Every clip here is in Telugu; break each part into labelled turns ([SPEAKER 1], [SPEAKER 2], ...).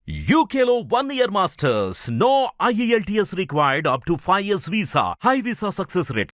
[SPEAKER 1] UKLO 1 year masters. No IELTS required up to 5 years visa. High visa success rate.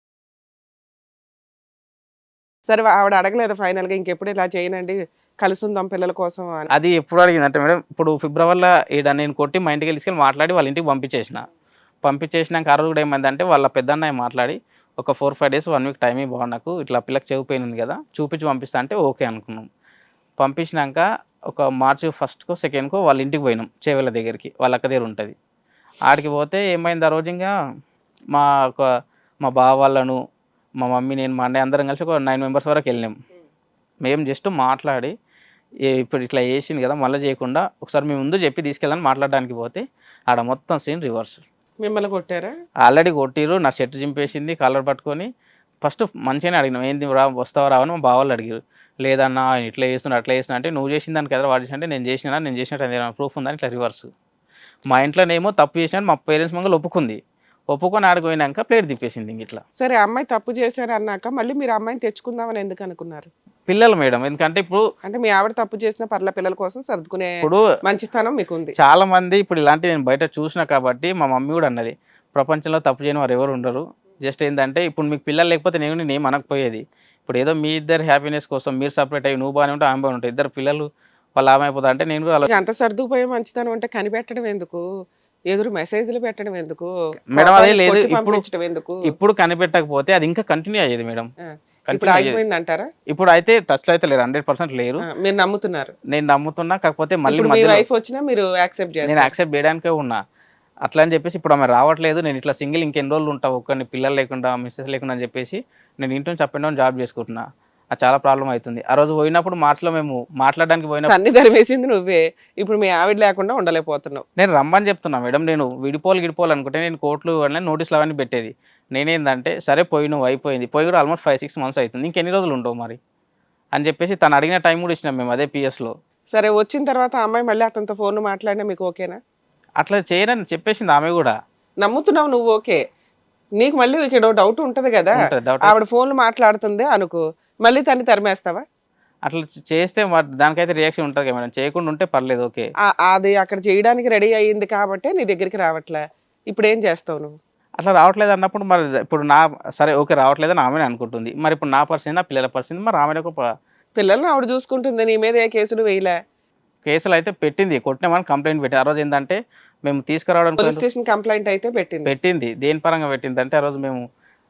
[SPEAKER 2] సరే ఆవిడ అడగలేదు ఫైనల్‌గా ఇంకెప్పుడు ఇలా చేయనండి. కలుసుందాం పిల్లల కోసం అని.
[SPEAKER 3] అది ఎప్పుడు అడిగిందంటే మేడం, ఇప్పుడు ఫిబ్రవరిలో నేను కొట్టి మా ఇంటికి తీసుకెళ్ళి మాట్లాడి వాళ్ళ ఇంటికి పంపించేసిన. పంపించేసినాక ఆ రోజు కూడా ఏమైందంటే వాళ్ళ పెద్దన్నయ్య మాట్లాడి ఒక 4, 5 డేస్ 1 వీక్ టైం ఇవ్వు నాకు, ఇట్లా పిల్లకి చెవి పెయిన్ ఉంది కదా చూపించి పంపిస్తా అంటే ఓకే అనుకున్నాం. పంపించినాక ఒక మార్చి 1కో 2కో వాళ్ళ ఇంటికి పోయినాం, చేవెళ్ళ దగ్గరికి, వాళ్ళ అక్క దగ్గర ఉంటుంది. ఆడికి పోతే ఏమైంది, ఆ రోజు ఇంకా మా ఒక మా బావ వాళ్ళను, మా మమ్మీ, నేను, మా అన్నయ్య అందరం కలిసి ఒక 9 మెంబర్స్ వరకు వెళ్ళినాం. మేము జస్ట్ మాట్లాడి ఇప్పుడు ఇట్లా వేసింది కదా మళ్ళీ చేయకుండా ఒకసారి మేము ముందు చెప్పి తీసుకెళ్ళని మాట్లాడడానికి పోతే ఆడ మొత్తం సీన్ రివర్స్.
[SPEAKER 2] మిమ్మల్ని కొట్టారా?
[SPEAKER 3] ఆల్రెడీ కొట్టిరు, నా షర్ట్ చింపేసింది, కాలర్ పట్టుకొని. ఫస్ట్ మంచిగానే అడిగినాం, ఏంది రా వస్తావా రావని. మా బావాళ్ళు అడిగారు, లేదన్నా ఇట్లా చేస్తున్నా అట్లా చేస్తున్నా అంటే, నువ్వు చేసిన దానికి కదా వాడు చేసిన అంటే, నేను చేసినట్టు ఏదైనా ప్రూఫ్ ఉందని ఇట్లా రివర్స్. మా ఇంట్లోనేమో తప్పు చేసినట్టు మా పేరెంట్స్ మంగళ ఒప్పుకుంది, ఒప్పుకొని ఆడిపోయినాక ప్లేట్ తిప్పేసింది ఇంక ఇట్లా.
[SPEAKER 2] సరే అమ్మాయి తప్పు చేశారు అన్నాక మళ్ళీ మీరు అమ్మాయిని తెచ్చుకుందామని ఎందుకు అనుకున్నారు?
[SPEAKER 3] పిల్లలు మేడం, ఎందుకంటే ఇప్పుడు
[SPEAKER 2] అంటే మీ ఆవిడ తప్పు చేసిన పర్ల పిల్లల కోసం సర్దుకునే
[SPEAKER 3] ఇప్పుడు
[SPEAKER 2] మంచితనం మీకు ఉంది.
[SPEAKER 3] చాలా మంది ఇప్పుడు ఇలాంటి నేను బయట చూసిన కాబట్టి మా మమ్మీ కూడా అన్నది, ప్రపంచంలో తప్పు చేయని వారు ఎవరు ఉండరు. జస్ట్ ఏంటంటే ఇప్పుడు మీకు పిల్లలు లేకపోతే నేను అనకపోయేది. ఇప్పుడు ఏదో మీ ఇద్దరు హ్యాపీనెస్ కోసం మీరు సపరేట్ అయ్యి నువ్వు బాగానే ఉంటే ఆమె బాగా ఉంటాయి, ఇద్దరు పిల్లలు వాళ్ళు ఆమె అయిపోతా అంటే నేను కూడా
[SPEAKER 2] ఇక అంత సర్దుకుపోయే మంచితనం అంటే కనిపెట్టడం ఎందుకు, ఎదురు మెసేజ్లు పెట్టడం ఎందుకు,
[SPEAKER 3] మేడం అదే లేదు,
[SPEAKER 2] కొట్టి
[SPEAKER 3] ఇప్పుడు
[SPEAKER 2] పంపించడం ఎందుకు?
[SPEAKER 3] ఇప్పుడు కనిపెట్టకపోతే అది ఇంకా కంటిన్యూ అయ్యేది మేడం.
[SPEAKER 2] ఇప్పుడు ఆగిపోయింది అంటారా?
[SPEAKER 3] ఇప్పుడు అయితే టచ్ లో అయితే లేరు, 100% లేరు.
[SPEAKER 2] మీరు నమ్ముతున్నారు?
[SPEAKER 3] నేను నమ్ముతున్నా, కాకపోతే మళ్ళీ
[SPEAKER 2] ఇప్పుడు మీ
[SPEAKER 3] మధ్యలో
[SPEAKER 2] వైఫ్ వచ్చినా మీరు యాక్సెప్ట్
[SPEAKER 3] నేను
[SPEAKER 2] చేస్తారు?
[SPEAKER 3] యాక్సెప్ట్ చేయడానికే ఉన్నా. అట్లా అని చెప్పేసి ఇప్పుడు ఆమె రావట్లేదు, నేను ఇట్లా సింగిల్ ఇంకెన్ని రోజులు ఉంటావు ఒక్కరిని పిల్లలు లేకుండా మిస్సెస్ లేకుండా అని చెప్పేసి నేను ఇంటి నుంచి అప్ అండ్ డౌన్ జాబ్ చేసుకుంటున్నా. అది చాలా ప్రాబ్లం అవుతుంది. ఆ రోజు పోయినప్పుడు మార్చిలో మేము మాట్లాడడానికి పోయినప్పుడు
[SPEAKER 2] అన్ని ధరివేసింది నువ్వే, ఇప్పుడు మీ ఆవిడ లేకుండా ఉండలేకపోతున్నావు.
[SPEAKER 3] నేను రమ్మని చెప్తున్నా మేడం, నేను గిడిపోవాలి అనుకుంటే నేను కోర్టులు అన్నీ నోటీసులు అవన్నీ పెట్టేది. నేనేందంటే సరే పోయి నువ్వు అయిపోయింది, పోయి కూడా ఆల్మోస్ట్ 5-6 మంత్స్ అవుతుంది, ఇంకెన్ని రోజులు ఉండవు మరి అని చెప్పేసి తను అడిగిన టైం కూడా ఇచ్చినాం మేము అదే పిఎస్లో.
[SPEAKER 2] సరే వచ్చిన తర్వాత ఆ అమ్మాయి మళ్ళీ అతనితో ఫోన్ మాట్లాడినా మీకు ఓకేనా?
[SPEAKER 3] అట్లా చేయనని చెప్పేసింది ఆమె కూడా.
[SPEAKER 2] నమ్ముతున్నావు నువ్వు, ఓకే. నీకు మళ్ళీ ఇక్కడ డౌట్ ఉంటది కదా,
[SPEAKER 3] ఉంటది doubt.
[SPEAKER 2] ఆవిడ ఫోన్లు మాట్లాడుతుంది అనుకో, మళ్ళీ తన్ని తరిమేస్తావా?
[SPEAKER 3] అట్లా చేస్తే దానికైతే రియాక్షన్ ఉంటుంది కదా మేడం, చేయకుండా ఉంటే పర్లేదు ఓకే.
[SPEAKER 2] అది అక్కడ చేయడానికి రెడీ అయ్యింది కాబట్టి నీ దగ్గరికి రావట్లే, ఇప్పుడు ఏం చేస్తావు నువ్వు?
[SPEAKER 3] అట్లా రావట్లేదు అన్నప్పుడు మరి ఇప్పుడు సరే ఓకే రావట్లేదని ఆమెనే అనుకుంటుంది, మరి ఇప్పుడు నా పరిస్థితి నా పిల్లల పరిస్థితి, మరి ఆమె
[SPEAKER 2] పిల్లల్ని ఆవిడ చూసుకుంటుంది, నీ మీద ఏ కేసులు వేయలే?
[SPEAKER 3] కేసులు అయితే పెట్టింది, కొట్టినామని కంప్లైంట్ పెట్టి. ఆ రోజు ఏంటంటే మేము తీసుకురావడం
[SPEAKER 2] పోలీస్ స్టేషన్ కంప్లైంట్ అయితే
[SPEAKER 3] పెట్టింది. దేని పరంగా పెట్టింది అంటే, ఆ రోజు మేము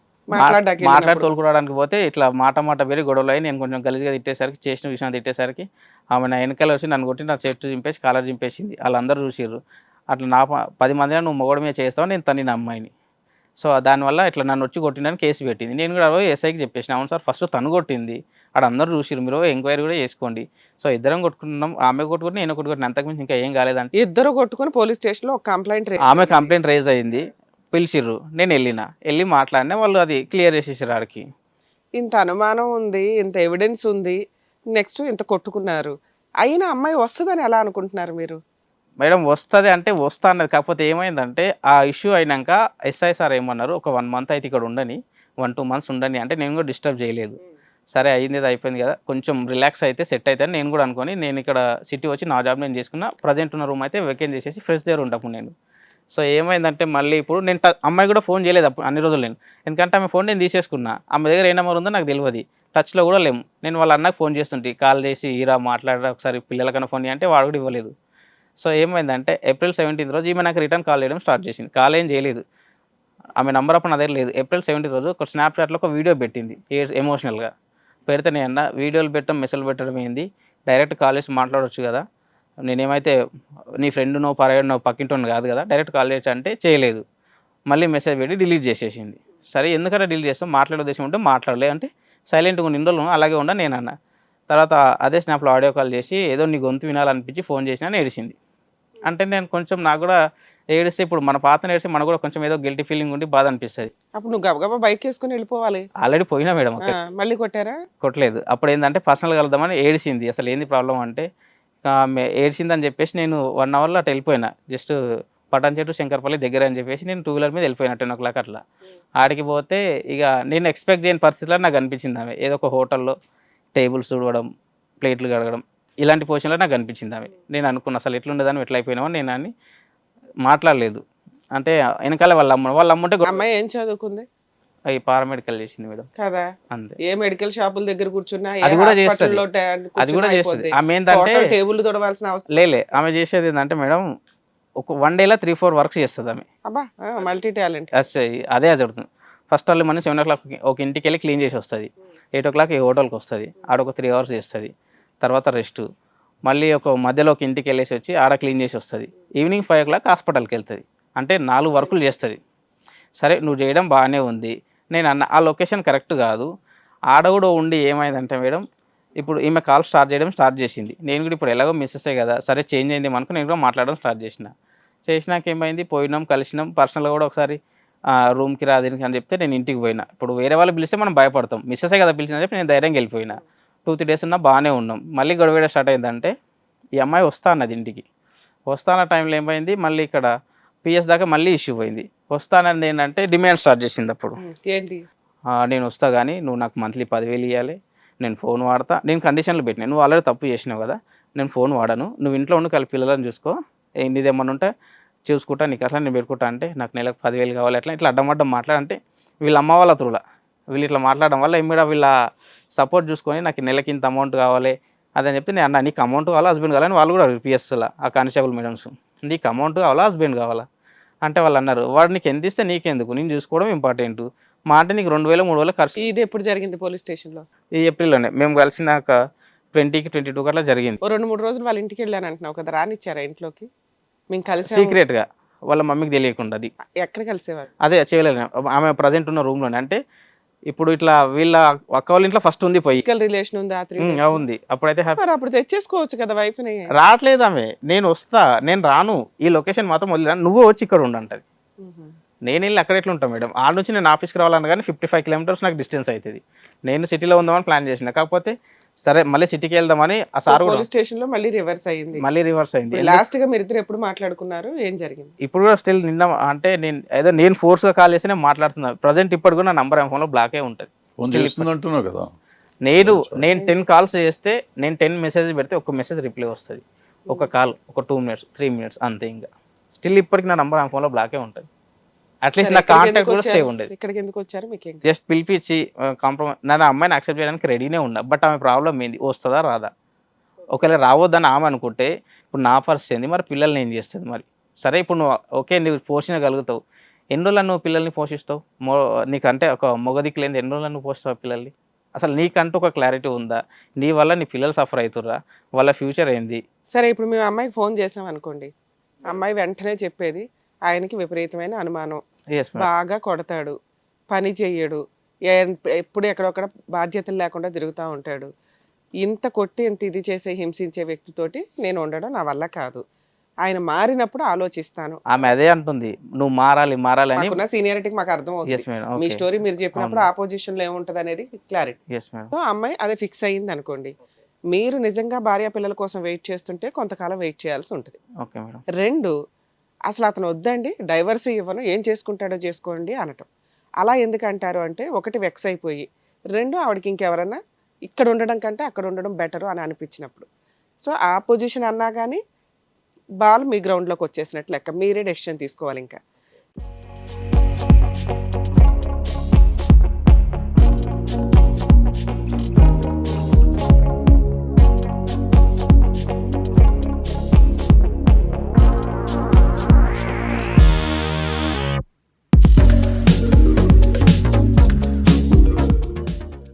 [SPEAKER 2] మాట్లాడి
[SPEAKER 3] తోలుకోవడానికి పోతే ఇట్లా మాట వేరే గొడవలు అయ్యి నేను కొంచెం గలీజ్గా తిట్టేసరికి, చేసిన విషయం తిట్టేసరికి ఆమె నా వెనకాల వచ్చి నన్ను కొట్టి నా చెట్టు చింపేసి కాలర్ చింపేసింది. వాళ్ళందరూ చూసిర్రు. అట్లా 10 మందిలో నువ్వు మొగడు మీద చేస్తావు, నేను తన్ని అమ్మాయిని. సో దానివల్ల ఇట్లా నన్ను వచ్చి కొట్టిందని కేసు పెట్టింది. నేను కూడా ఎస్ఐకి చెప్పేసిన, అవును సార్ ఫస్ట్ తను కొట్టింది, అక్కడ అందరూ చూసిరు, మీరు ఎంక్వైరీ కూడా చేసుకోండి. సో ఇద్దరం కొట్టుకున్నాం, ఆమె కొట్టుకుని నేను కొట్టుకుని, అంతకుమించి ఇంకా ఏం కాలేదంటే
[SPEAKER 2] ఇద్దరు కొట్టుకుని పోలీస్ స్టేషన్ లో కంప్లైంట్
[SPEAKER 3] ఆమె కంప్లైంట్ రైజ్ అయింది, పిలిచిర్రు, నేను వెళ్ళి మాట్లాడినా, వాళ్ళు అది క్లియర్ చేసేసారు. ఆడికి
[SPEAKER 2] ఇంత అనుమానం ఉంది, ఇంత ఎవిడెన్స్ ఉంది, నెక్స్ట్ ఇంత కొట్టుకున్నారు, అయినా అమ్మాయి వస్తుందని ఎలా అనుకుంటున్నారు మీరు?
[SPEAKER 3] మేడం వస్తుంది అంటే వస్తా అన్నది, కాకపోతే ఏమైందంటే ఆ ఇష్యూ అయినాక ఎస్ఐ సార్ ఏమన్నారు, ఒక 1 మంత్ అయితే ఇక్కడ ఉండని, 1-2 మంత్స్ ఉండని అంటే నేను కూడా డిస్టర్బ్ చేయలేదు. సరే అయింది అయిపోయింది కదా, కొంచెం రిలాక్స్ అయితే సెట్ అయితే నేను కూడా అనుకొని నేను ఇక్కడ సిటీ వచ్చి నా జాబ్ నేను చేసుకున్నా. ప్రజెంట్ ఉన్న రూమ్ అయితే వెకేట్ చేసేసి ఫ్రెష్ దగ్గర ఉంటాము నేను. సో ఏమైందంటే మళ్ళీ ఇప్పుడు నేను అమ్మాయి కూడా ఫోన్ చేయలేదు అప్పుడు అన్ని రోజులు నేను, ఎందుకంటే ఆమె ఫోన్ నేను తీసేసుకున్నా, ఆమె దగ్గర ఏ నెంబర్ ఉందో నాకు తెలియదు, టచ్లో కూడా లేము. నేను వాళ్ళ అన్నకు ఫోన్ చేస్తుంటే కాల్ చేసి ఈరా మాట్లాడరా ఒకసారి పిల్లలకన్నా ఫోన్ అంటే వాడు కూడా ఇవ్వలేదు. సో ఏమైందంటే April 17th రోజు ఈమె నాకు రిటర్న్ కాల్ చేయడం స్టార్ట్ చేసింది. కాల్ ఏం చేయలేదు, ఆమె నెంబర్ అప్పుడు నా దగ్గర లేదు. April 17th రోజు ఒక స్నాప్చాట్లో ఒక వీడియో పెట్టింది ఎమోషనల్గా. పెడితే నేను అన్న, వీడియోలు పెట్టడం మెసేజ్ పెట్టడం ఏంది, డైరెక్ట్ కాల్ చేసి మాట్లాడవచ్చు కదా, నేనేమైతే నీ ఫ్రెండ్నో పరాయనో పక్కింటోని కాదు కదా, డైరెక్ట్ కాల్ చేయొచ్చు అంటే చేయలేదు. మళ్ళీ మెసేజ్ పెట్టి డిలీట్ చేసేసింది. సరే ఎందుకంటే డిలీట్ చేస్తాం, మాట్లాడే ఉద్దేశం ఉంటే మాట్లాడలే అంటే సైలెంట్గా ఉన్న ఇన్ని రోజులు అలాగే ఉండ నేను అన్న. తర్వాత అదే స్నాప్లో ఆడియో కాల్ చేసి ఏదో నీ గొంతు వినాలనిపించి ఫోన్ చేసినా ఏడిసింది. అంటే నేను కొంచెం నాకు కూడా ఏడిస్తే ఇప్పుడు మన పాతను ఏడిస్తే మనకు కూడా కొంచెం ఏదో గిల్టీ ఫీలింగ్ ఉండి బాధ అనిపిస్తుంది.
[SPEAKER 2] అప్పుడు నువ్వు గబగబా బైక్ వేసుకుని వెళ్ళిపోవాలి.
[SPEAKER 3] ఆల్రెడీ పోయినా మేడం,
[SPEAKER 2] మళ్ళీ కొట్టారా?
[SPEAKER 3] కొట్టలేదు. అప్పుడు ఏంటంటే పర్సనల్గా వెళ్దామని ఏడిసింది. అసలు ఏంది ప్రాబ్లం అంటే ఏడిసిందని చెప్పేసి నేను 1 అవర్లో అటు వెళ్ళిపోయినా, జస్ట్ పటాన్ చెట్టు శంకర్పల్లి దగ్గర అని చెప్పేసి నేను 2 వీలర్ మీద వెళ్ళిపోయినా 10 o'clock అట్లా. ఆడికి పోతే ఇక నేను ఎక్స్పెక్ట్ చేయని పరిస్థితిలో నాకు అనిపించింది ఆమె ఏదో ఒక హోటల్లో టేబుల్స్ తుడవడం, ప్లేట్లు కడగడం, ఇలాంటి పొజిషన్లో నాకు అనిపించింది ఆమె. నేను అనుకున్నా అసలు ఎట్లుండేదాన్ని ఎట్లా అయిపోయినావో నేను అని మాట్లాడలేదు. అంటే వెనకాల వాళ్ళ అమ్మ ఉంటే
[SPEAKER 2] అమ్మాయి ఏం చదువుకుంది?
[SPEAKER 3] అవి పారామెడికల్ చేసింది మేడం.
[SPEAKER 2] కదా,
[SPEAKER 3] అంతే.
[SPEAKER 2] ఏ మెడికల్ షాపుల దగ్గర కూర్చున్నా,
[SPEAKER 3] అది కూడా చేస్తుంది, అది కూడా చేస్తుంది. ఆమె ఏంటంటే
[SPEAKER 2] టేబుల్ తొడవాల్సిన అవసరం
[SPEAKER 3] లేలే. ఆమె చేసేది ఏంటంటే మేడం ఒక 1 డేలో 3-4 వర్క్స్ చేస్తుంది ఆమె.
[SPEAKER 2] అబ్బా, మల్టీ టాలెంట్.
[SPEAKER 3] అదే జరుగుతుంది. ఫస్ట్ వాళ్ళు మనం 7 o'clock ఒక ఇంటికి వెళ్ళి క్లీన్ చేసి వస్తుంది, 8 o'clock ఏ హోటల్కి వస్తుంది, ఆడ ఒక 3 hours చేస్తుంది, తర్వాత రెస్ట్, మళ్ళీ ఒక మధ్యలో ఒక ఇంటికి వెళ్ళేసి వచ్చి ఆడ క్లీన్ చేసి వస్తుంది, ఈవినింగ్ 5 o'clock హాస్పిటల్కి వెళ్తుంది. అంటే 4 వర్కులు చేస్తుంది. సరే నువ్వు చేయడం బాగానే ఉంది, నేను అన్న ఆ లొకేషన్ కరెక్ట్ కాదు. ఆడ కూడా ఉండి ఏమైందంటే మేడం ఇప్పుడు ఈమె కాల్ స్టార్ట్ చేసింది. నేను కూడా ఇప్పుడు ఎలాగో మిస్సెసే కదా, సరే చేంజ్ అయింది మనకు, నేను కూడా మాట్లాడడం స్టార్ట్ చేసినాక ఏమైంది, పోయినాం కలిసినాం, పర్సనల్గా కూడా ఒకసారి రూమ్కి రా దీనికి అని చెప్తే నేను ఇంటికి పోయినా. ఇప్పుడు వేరే వాళ్ళు పిలిస్తే మనం భయపడతాం, మిస్సెసే కదా పిలిచిందని చెప్పి నేను ధైర్యంగా వెళ్ళిపోయినా. 2-3 days ఉన్నా బాగానే ఉన్నాం. మళ్ళీ గొడవ స్టార్ట్ అయిందంటే ఈ అమ్మాయి వస్తా అన్నది ఇంటికి. వస్తాన్న టైంలో ఏమైంది, మళ్ళీ ఇక్కడ పిఎస్ దాకా మళ్ళీ ఇష్యూ పోయింది. వస్తానని ఏంటంటే డిమాండ్ స్టార్ట్ చేసింది. అప్పుడు
[SPEAKER 2] ఏంటి,
[SPEAKER 3] నేను వస్తా కానీ నువ్వు నాకు మంత్లీ 10,000 ఇవ్వాలి, నేను ఫోన్ వాడతా, నేను కండిషన్లు పెట్టినా, నువ్వు ఆల్రెడీ తప్పు చేసినావు కదా, నేను ఫోన్ వాడను, నువ్వు ఇంట్లో ఉండి కలిపి పిల్లలను చూసుకో, నీదేమన్నా ఉంటే చూసుకుంటా, నీకు అట్లా నేను పెట్టుకుంటా అంటే నాకు నెలకు 10,000 కావాలి, అట్లా ఇట్లా అడ్డం మాట్లాడంటే వీళ్ళ అమ్మ వాళ్ళ త్రూలా వీళ్ళు ఇట్లా మాట్లాడడం వల్ల ఇమ్మీడియట్ వీళ్ళ సపోర్ట్ చూసుకొని నాకు నెలకి ఇంత అమౌంట్ కావాలి అదని చెప్తే నేను అన్న నీకు అమౌంట్ కావాలా హస్బెండ్ కావాలని వాళ్ళు కూడా పిఎస్లా ఆ కానిస్టేబుల్ మేడమ్స్, నీకు అమౌంట్ కావాలా హస్బెండ్ కావాలా అంటే వాళ్ళు అన్నారు వాడు నీకు ఎంత ఇస్తే నీకెందుకు, నేను చూసుకోవడం ఇంపార్టెంట్, మా అంటే నీకు 2,000-3,000 ఖర్చు.
[SPEAKER 2] ఇది ఎప్పుడు జరిగింది పోలీస్ స్టేషన్లో? ఈ
[SPEAKER 3] ఏప్రిల్లోనే మేము కలిసినాక 20-22 అట్లా జరిగింది.
[SPEAKER 2] 2-3 రోజులు వాళ్ళ ఇంటికి వెళ్ళాను అంటున్నావు కదా, రానిచ్చారా ఇంట్లోకి? మేము కలిసి
[SPEAKER 3] సీక్రెట్గా వాళ్ళ మమ్మీకి తెలియకుండా. అది
[SPEAKER 2] ఎక్కడ కలిసేవారు?
[SPEAKER 3] అదే చేయలేదు ఆమె ప్రజెంట్ ఉన్న రూమ్లోనే. అంటే ఇప్పుడు ఇట్లా వీళ్ళ అక్క వాళ్ళ ఇంట్లో ఫస్ట్ ఉంది పోయి
[SPEAKER 2] రిలేషన్ ఉందా?
[SPEAKER 3] ఉంది. అప్పుడైతే
[SPEAKER 2] అప్పుడు తెచ్చేసుకోవచ్చు కదా వైఫ్ ని.
[SPEAKER 3] రావట్లేదు ఆమె, నేను వస్తా, నేను రాను, ఈ లొకేషన్ మాత్రం వదిలేను, నువ్వు వచ్చి ఇక్కడ ఉండంటది. నేను వెళ్ళి అక్కడ ఎట్లా ఉంటాను మేడం, ఆడ నుంచి నేను ఆఫీస్కి రావాలన్నా కానీ 55 kilometers నాకు డిస్టెన్స్ అవుతుంది. నేను సిటీలో ఉందామని ప్లాన్ చేసిన, కాకపోతే సరే మళ్ళీ సిటీకి వెళ్దామని ఆ సార్
[SPEAKER 2] పోలీస్ స్టేషన్ లో మళ్ళీ రివర్స్ అయింది. లాస్ట్ గా మీరు ఇద్దరు ఎప్పుడు మాట్లాడుకున్నారు, ఏం జరిగింది?
[SPEAKER 3] ఇప్పుడు కూడా స్టిల్ నిన్న అంటే నేను ఫోర్స్ గా కాల్ చేసి నేను మాట్లాడుతున్నాను. ప్రజెంట్ ఇప్పుడు కూడా నా నంబర్ ఫోన్ లో బ్లాకే ఉంటుంది. నేను 10 calls చేస్తే, నేను 10 messages పెడితే ఒక మెసేజ్ రిప్లై వస్తుంది, ఒక కాల్ ఒక 2 minutes 3 minutes అంతే. ఇంకా స్టిల్ ఇప్పటికి నా నంబర్ ఫోన్ లో బ్లాకే ఉంటుంది. అట్లీస్ట్ నా కాంటాక్ట్ కూడా సేవ్ ఉండేది.
[SPEAKER 2] ఇక్కడికి ఎందుకు వచ్చారు? మీకు
[SPEAKER 3] జస్ట్ పిలిపించి కాంప్రమైజ్, నేను అమ్మాయిని యాక్సెప్ట్ చేయడానికి రెడీనే ఉన్నా. బట్ ఆమె ప్రాబ్లం ఏంది, వస్తుందా రాదా? ఒకవేళ రావద్దని ఆమె అనుకుంటే ఇప్పుడు నా పరిస్థితి ఏంది, మరి పిల్లల్ని ఏం చేస్తుంది? మరి సరే ఇప్పుడు నువ్వు ఓకే నువ్వు పోషించగలుగుతావు, ఎన్ని రోజులు నువ్వు పిల్లల్ని పోషిస్తావు? నీకంటే ఒక మొగదికి లేని ఎన్ని రోజులు నువ్వు పోషిస్తావు పిల్లల్ని? అసలు నీకంటూ ఒక క్లారిటీ ఉందా? నీ వల్ల నీ పిల్లలు సఫర్ అవుతుర్రా? వాళ్ళ ఫ్యూచర్ ఏంది?
[SPEAKER 2] సరే ఇప్పుడు మేము అమ్మాయికి ఫోన్ చేసాం అనుకోండి, అమ్మాయి వెంటనే చెప్పేది ఆయనకి విపరీతమైన అనుమానం, బాగా కొడతాడు, పని చెయ్యడు, ఎప్పుడు ఎక్కడొక్కడ బాధ్యతలు లేకుండా తిరుగుతూ ఉంటాడు, ఇంత కొట్టి ఇంత ఇది చేసే హింసించే వ్యక్తితోటి నేను ఉండడం నా వల్ల కాదు, ఆయన మారినప్పుడు ఆలోచిస్తాను.
[SPEAKER 3] ఆమె అదే అంటుంది, నువ్వు మారాలి అని.
[SPEAKER 2] సీనియారిటీకి మాకు అర్థం అవుతుంది, మీ స్టోరీ మీరు చెప్పినప్పుడు ఆపోజిషన్ లో ఏముంటది అనేది క్లారిటీ. సో అమ్మాయి అదే ఫిక్స్ అయ్యింది అనుకోండి, మీరు నిజంగా భార్య పిల్లల కోసం వెయిట్ చేస్తుంటే కొంతకాలం వెయిట్ చేయాల్సి ఉంటుంది. 2, అసలు అతను వద్దండి డైవర్స్ ఇవ్వను, ఏం చేసుకుంటాడో చేసుకోండి అనటం. అలా ఎందుకంటారు అంటే, 1 వెక్స్ అయిపోయి, 2 ఆవిడకి ఇంకెవరన్నా ఇక్కడ ఉండడం కంటే అక్కడ ఉండడం బెటరు అని అనిపించినప్పుడు. సో ఆ పొజిషన్ అన్నా కానీ బాల్ మీ గ్రౌండ్లోకి వచ్చేసినట్లు లెక్క, మీరే డెసిషన్ తీసుకోవాలి. ఇంకా